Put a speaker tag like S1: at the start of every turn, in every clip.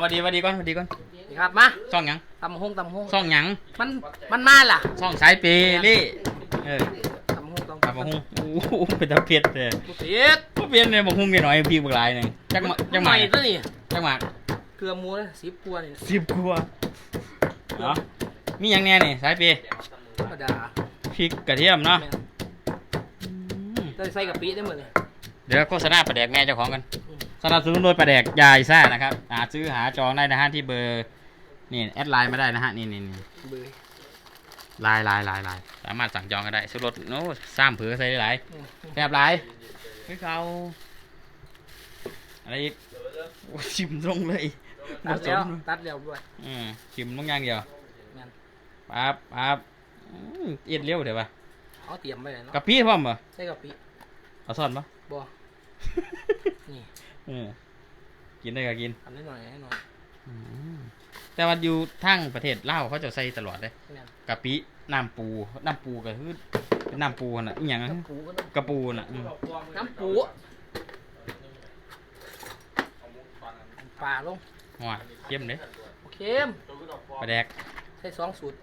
S1: วัสดีก่อนสวัสดีก่อน
S2: นี่ครับมา
S1: ช่องหยัง
S2: ตำหง
S1: ช่องหยัง
S2: มันมาล่ะ
S1: ช่องสายเปรี่
S2: ตำหง
S1: โอ้โหเป็นตะเพียดเลย
S2: เพียด
S1: เนี่ยบอกหุ้งกันหน่อยพี่บักหลายหนึ่งจักหมาก
S2: ตัวนี้
S1: จักหมาก
S2: เกลือมูนะ10 กว่านี่
S1: 10 กว่าเนาะมีอย่างแน่นี่สายเป
S2: กระดา
S1: พริกกระเทียมเนาะ
S2: ใส่กะปิได้หมดเลย
S1: เดี๋ยวโฆษณาปลาแดกแม่เจ้าของกันสนับสนุนโดยปลาแดกยายซ่านะครับซื้อหาจองได้นะฮะที่เบอร์นี่แอดไลน์มาได้นะฮะนี่
S2: เบอร์
S1: ไลน์สามารถสั่งจองกันได้ซื้อรถโน้ซ้ำเผือใส่ได้หลายแซ่บหลายให้เขาอะไรอีกชิมตรงเลย
S2: ตัดแล้วด้วย
S1: ชิมต้องอย่างเดียวปั๊บเอ็ดเลี้ยวเดี๋ยวป่ะ
S2: เขาเตรียมไปเลยเนาะ
S1: กะปิพร้อมป่ะ
S2: ใช่กะปิ
S1: เอาซ่อนป่ะ
S2: บ่นี่
S1: กินได้ก็กิน
S2: ทำได้หน่อย
S1: แต่ว่าอยู่ทั้งประเทศลาวเขาจะใส่ตลอดเลยกะปิน้ำปูก็คือน้ำปูน่ะอีหยังกระปูน่ะ
S2: น้ำปูปลาลง
S1: หัวเข้มเลย
S2: เข้ม
S1: ปลาแดก
S2: ใช้2 สูตร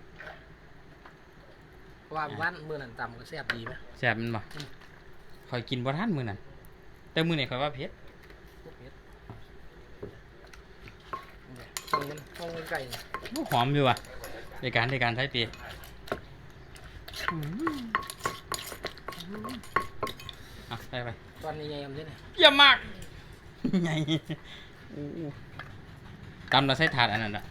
S2: ว่าวันมื้อนั้นตำก็แซ่บดีไหม
S1: แซ่บมันบ่คอยกินบ่ทันมื้อนั้นแต่มื้อนี้คอยว่าเผ็ด
S2: ห้องไก่
S1: หอมอยู่อ่ะในการใช้ปีได้ไป
S2: ตอนนี้ใหญ่ยังเนี่ย
S1: เยี่ยมมากใหญ่ตำเราใช้ถาดอันนั้นอ่ะ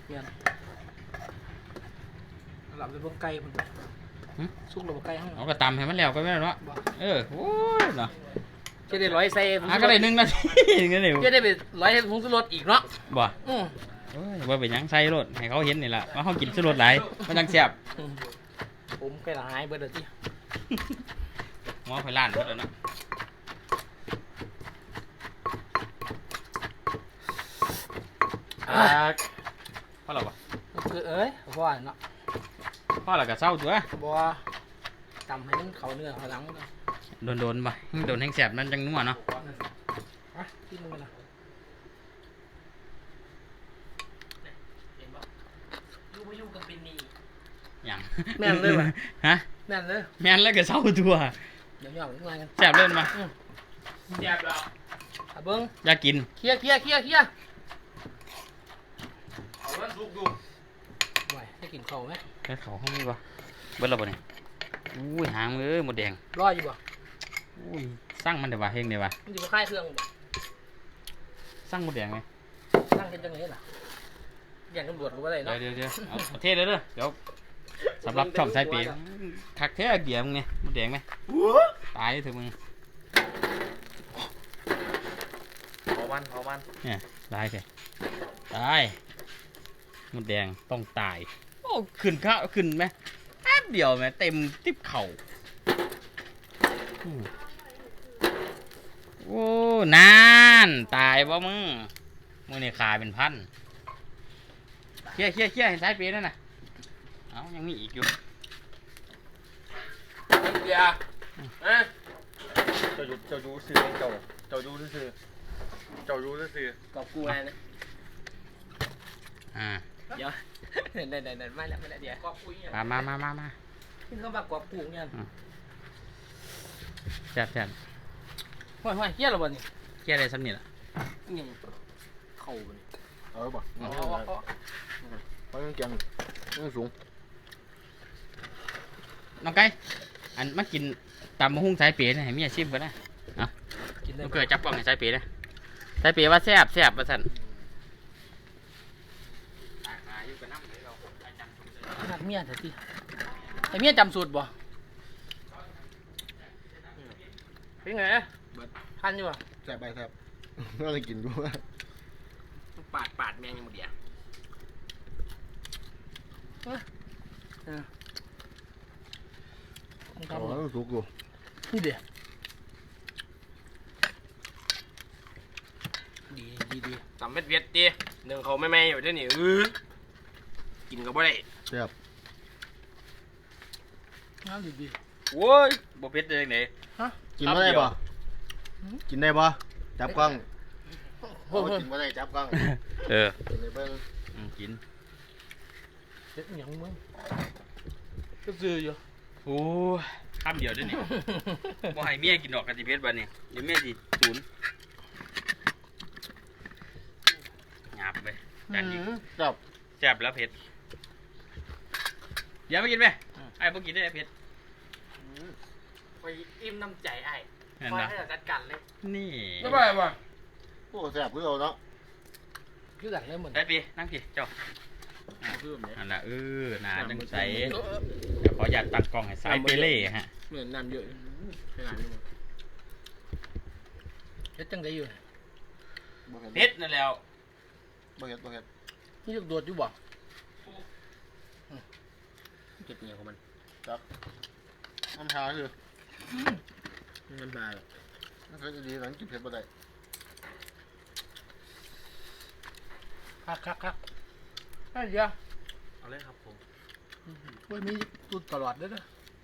S2: หลับเป็นพวกไก่มันซุกหลับไก่ห้อง
S1: เราก็ตำให้มันแล้วก็ไม่ได้เนาะโอ้ยเนาะ
S2: จะได้ร้อยใส่
S1: ก็ได้1 นาทีงั้นเลย
S2: จะได้ไปร้อยผงชูรสอีกเนาะ
S1: บ่ว่าเป็นยังใส่รสให้เขาเห็นนี่แหละว่าเขากินชูรสหลายมันจังแซ่บ
S2: ผมไก่หายเบิดเลยที่
S1: หม้อไฟล้านเบิดแล้วเนาะพ่อเราบ่
S2: คือพ่อเนาะ
S1: พ่อเราก็เศร้าตัว
S2: บ่ตำให้มันเขาเนื้อเขาหลัง
S1: โดนบ่โดนแห้งแซ่บนั่นจังนัวเนาะ
S2: ที่มึงนะอยู่กับเป็นนี่
S1: อย่าง
S2: แม่นเลยว่ะ
S1: ฮะ
S2: แม่นเลย
S1: ก็เศร้าตัว
S2: เดี๋ยวๆอะไรกัน
S1: แซ่บเล่นมา
S2: แซ่บแล้วเบิ้ง
S1: อยากกิน
S2: เคลียเอาวันสุกดูไหวให้กินเขาไหม
S1: แค่เขาห้องนี้ป่ะเบิ้ลเราบ่เนี่ยอุ้ยหางมือหมดแดง
S2: รออยู่ป่ะ
S1: อุ้ยสร้างมันเดี๋ยวว่าเฮงเดี๋ยวว่า
S2: มันอยู่กับค่ายเครื่องป่ะ
S1: สร้างหมดแดงไหม
S2: สร้างกันจังเลยล่ะอย่างตำรวจรู้ว่าอะไรเนาะ
S1: เดี๋ยวเอาเทเลยเดี๋ยวสำหรับช่องสายปีทักแท้เกี่ยมไงหมดแดงไหมตายเถอะมึง
S2: เผามัน
S1: เนี่ยตายสิตายหมดแดงต้องตายโอ้ขึ้นข้าวขึ้นไหมแป๊บเดียวไหมเต็มติ๊บเข่าโอ้นานตายบ่มึงนี่ขาเป็นพันเคลียร์เห็นสายปีนั่นน่ะยังมีอีกอยู่
S2: เกียร์
S3: เจ้าดูซื้อเจ้าดูซื้อก
S2: อบกูไงนะเดี๋ยวไม่แล้วเดี๋ยวกอบกูเนี่ย
S1: มา
S2: ขึ้นเข้ามากอบกูเนี่ย
S1: แซ่บ
S2: ห้อยเกียร์หรอบ่นี่
S1: เกียร์อะไรซ้ำนี่ล่ะ
S2: นี่เข่าบ่
S3: นี่บ่เขายังเกียงยังสูง
S1: น้องไก่อันมากินตำมะฮุ่งสายเป๋นะให้มีอาชีพกันนะเกิดจับกล้องให้สายเป๋นะสายเป๋ว่าแซ่บว่าสั่น
S2: นักเมียเถอะสิไอเมียจำสูตรบ่เป็นไงทันอยู่บ่
S3: แซ่บก็เลยกินด้วย
S2: ปาดแมงยังหมดเดียว
S3: สุกอยู่
S2: นี่เดียวดีตำเม็ดเวียดดีหนึ่งเขาไม่อยู่ที่นี่กินก็บ่ได้
S3: แซ่บ
S2: น้ำดี
S1: โว้ยบ่เผ็ดเลยไหน
S3: กินได้บ่จับกล้องโอ้กินมาได้จับกล้อง
S1: เออ
S3: กินในเบิ้ง
S1: กิน
S4: เฮ็ดหยังมึงก็ซื้ออยู่
S1: โอ้คำเดียวเด้วยนี่ บ่ให้เมียกินดอกกะทิเพชรบัดนี้เดี๋ยวเมียสิสูญหยาบไปจานนี้
S3: จับ
S1: แซ่บแล้วเผ็ดอย่ามากินไหมไอ้บ่กินได้เผ็ด
S4: ไปอิ่มน้ำใจไอ้
S1: เห็น
S4: คอย
S1: ปะ
S4: ให้เราจัดการเลย
S1: นี่
S4: ไม่เป็นไรว่ะ
S3: โอ้แซ่บคือเอาเนาะ
S4: คือกันเลยเหมือน
S1: ได้ปีนั่งสิเจ้า
S2: คือแบบนี้
S1: นั่นล่ะน่าจังใสเดี๋ยวขออยากตัดกล้องให้สายเปเล่ฮะ
S2: เหมือนน้ำเยอะขนาดนี้
S4: เฮ็ดจังไดอยู่
S3: บ่เห็น
S1: เผ็ดนั่นแล้ว
S3: บ่เห็นบ่เห็น
S4: นี่ลูกโดดอยู่บ่
S2: เก็บเงี้ยของมัน
S3: น้ำชาคือ
S2: น้ำปลา
S3: มันเคยดีหลังกินเผ็ดบ่ได้
S4: คักไอ้เดียว
S2: เอาเลยครับผม
S4: เว้ยมีตุดตลอดเด้อ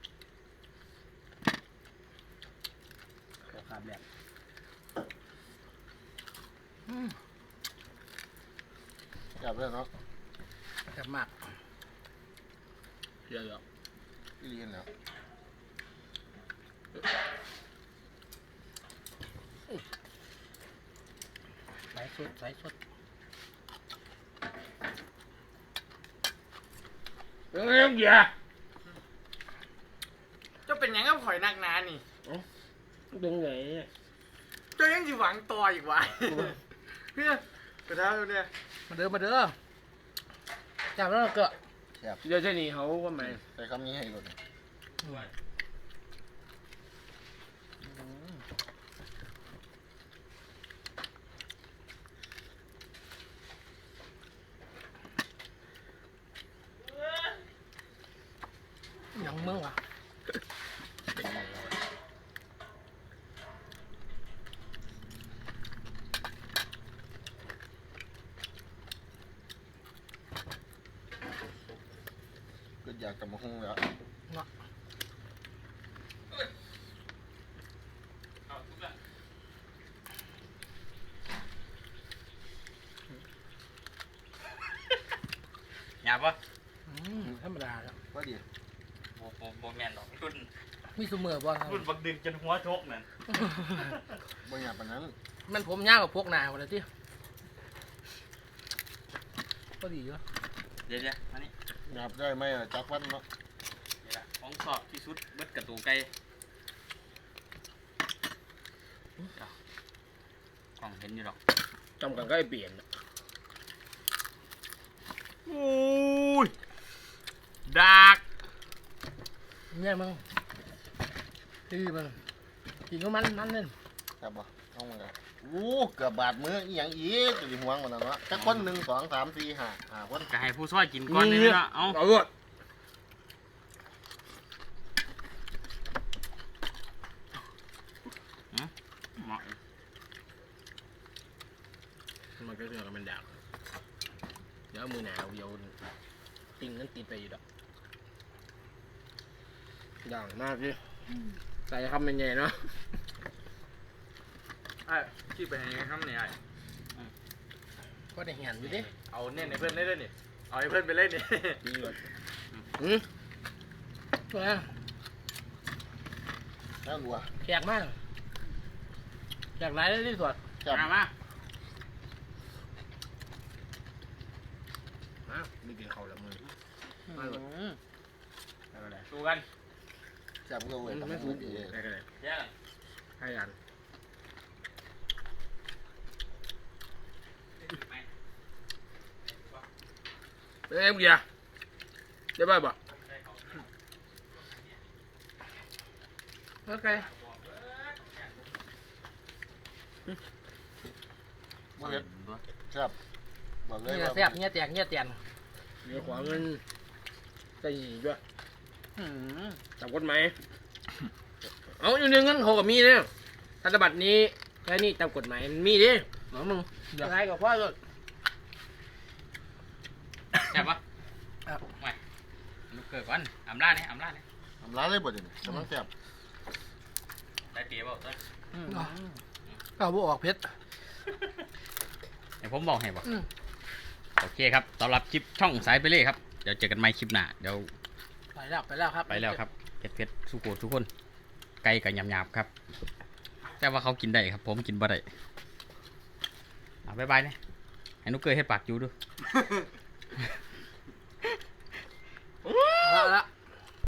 S2: ขอขาดแบบ
S3: จับเลยเนาะ
S4: แซ่บมาก
S2: เยอะ
S3: อีลีนแล้ว
S4: สายสด
S2: เอ้ยเหี้ย
S4: เจ้าเป็นหยังกับข่อยนักหนานี่
S2: ดึงไหน
S4: เจ้ายังสิหวังต่ออีกวะเพื่อนกระทะเนี่ยมาเด้อจับแล้วก็
S2: เดี๋ยวเช่นนี้เขาว่าไง
S3: ใส่คำนี้ให้ก่อน
S4: หยังมึงวะ
S3: ก็อยากกลับมาหุ้งแล้ว
S1: หยาบปะ
S4: ธรรมดาครับ
S3: ว่าดี
S1: บ่แม่นดอกรุ่น
S4: มีซุมือบ่ครับ
S1: รุ่นบักดึงจนหัวชกนั่น
S3: บ่อยากปานนั้น
S4: มันผมยาวกับพวกหนาหมดเลยที่ก็ดีอยู่
S1: เดี๋ยวมานี่
S3: หยาบได้ไหมจักวันเนาะ
S1: นี่ล่ะของสอบที่สุดเบิดกระตูไก่กล้องเห็นอยู่ดอก
S2: จำกันก็ไอเปลี่ยน
S1: โอ้ยดัก
S4: เนี่ยมึงที่มันกินก็มันเล่น
S3: จับบ่เอามาเลยโอ้เกือบบาดมืออีหยังอีกจะห่วงกว่านั้นวะจักคน1 2 3 4 5คน
S1: ก็ให้ผู้ช่วยกินก่อนเลยนะเอา
S2: เอาด้วย
S1: เหมาะ
S2: มันก็คือมันดักเดี๋ยวมือหนาวโยนติงนั้นติดไปอยู่ดอกดังมากดิใส่คำเป็นไงเนาะ
S5: ไอ้ขี้ไปให้ข้ามเนี่ย
S4: ก็ได้เห็นอยู่ดิ
S5: เอาเนี่ยในเพื่อนเล่นด้วยนี่เอาให้เพื่อนไปเล่นนี่
S2: ดีกว่า
S4: ตัว
S3: แล้วรัว
S4: แขกมากแขกหลายเลยที่สุด
S3: จับ
S1: มามา
S2: ไม่กินข้าวแล้วมือ
S1: ดูกัน
S3: จับก็เว้ยทำให้มันดี
S2: ได้กันเลย
S1: แย่กัน
S2: ให้กันเอ้ยเบียร์ได้ป่ะบ่
S4: โอเค
S3: บ่เห็นจับบอกเลย
S4: นี่
S3: ว่า
S4: แซ่บเนี่ยแตกเนี่ยแตน
S2: เดี๋ยวขวาเงินใส่หีด้วยจับกฎหมายเอาอยู่ในเงินเขากับมีเนี่ยธนบัตรนี้แค่นี้ตามกฎหมายมันมีดิหมอมึง
S4: ยังไงกับพ่อสุด
S1: แซ่บปะไม่ลูกเกิดก่อนอำลาเนี่ย
S3: ทำร้ายเลยบ่เดี๋ยวนี้กำลังจับ
S1: ได้เตี๋ยวเปล่าต้น
S4: เอาบุออกเพชร
S1: ให้ผมบอกให้บ่
S4: อืม
S1: โอเคครับสำหรับคลิปช่องสายไปเลยครับเดี๋ยวเจอกันใหม่คลิปหน้าเดี๋ยว
S4: ไปแล้วครับ
S1: ไปแล้วครับเผ็ดๆสุโขทุกคนไก่กับหยาบๆครับแต่ว่าเขากินได้ครับ ผมกินบ่ได้บ๊ายบายเนี่ยให้นุกเกยให้ปากอยู่ดู
S4: ละ